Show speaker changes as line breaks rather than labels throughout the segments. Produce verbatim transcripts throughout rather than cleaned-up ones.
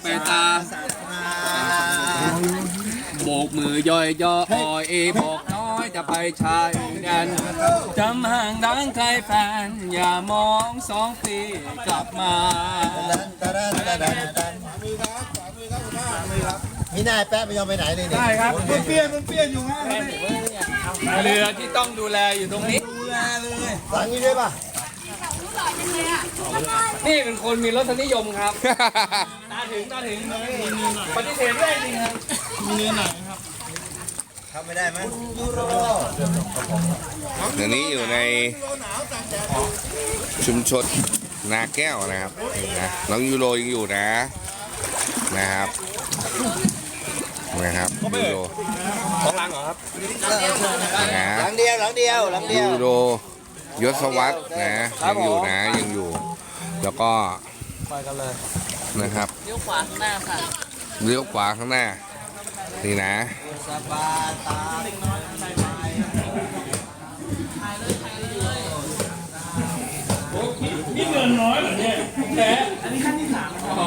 ายตาโบกมือย่อยย่ออเอบอกน้อยจะไปชายแดนจำห่างดังไกลแฟนอย่ามองสองปีกลับมา
มีนายแป๊ะไม่ยอมไปไหนเลยเนี่ย
ได้ครับ
มันเปลี่ยนมันเปลี่ยนอยู่ฮะ
เรือที่ต้องดูแลอยู่ตรงนี้
ดูแลเลย
หลังนี้ด้วยป่ะ
นี่เป็นคนมีรสนิยมครับ ตาถึงตาถึงปฏิเสธไม่ได้จริงครับ
มีเนื้อหนังครับ
ทำไม่ได้ไหมยูโร
เดี๋ยวนี้อยู่ในชุมชนนาแก้วนะครับนะน้องยูโรยังอยู่นะนะครับนะครับยูโร
ของรังเหรอครับ
นะ
หลังเดียวหลังเดียวหลังเดียว
ยูโรยศวัฒน์นะยังอยู่นะยังอยู่ แล้วก็
ไปกันเลย
นะครับ
เลี้ยวขวาข้างหน้าค่ะ
เลี้ยวขวาข้างหน้านี่นะ
สบายตา
นี่เงินน้อยเหรอเนี่ยแพ้อันนี้ขั้นที่สาม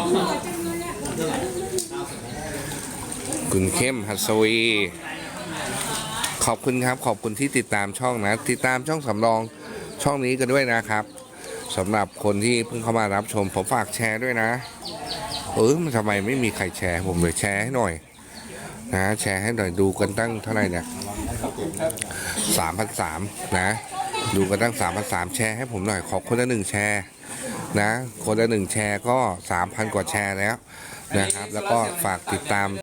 คุณเข้มหัสวีขอบคุณครับขอบคุณที่ติดตามช่องนะ ติดตามช่องสำรองช่องนี้กันด้วยนะครับสำหรับคนที่เพิ่งเข้ามารับชมผมฝากแชร์ด้วยนะเออมันทำไมไม่มีใครแชร์ผมเลยแชร์ให้หน่อยนะแชร์ให้หน่อยดูกันตั้งเท่าไหร่เนี่ยสามพันสามนะดูกันตั้งสามพันสามแชร์ให้ผมหน่อยขอคนละหนึ่งแชร์นะคนละหนึ่งแชร์ก็สามพันกว่าแชร์แล้วนะครับแล้วก็ฝากติดตาม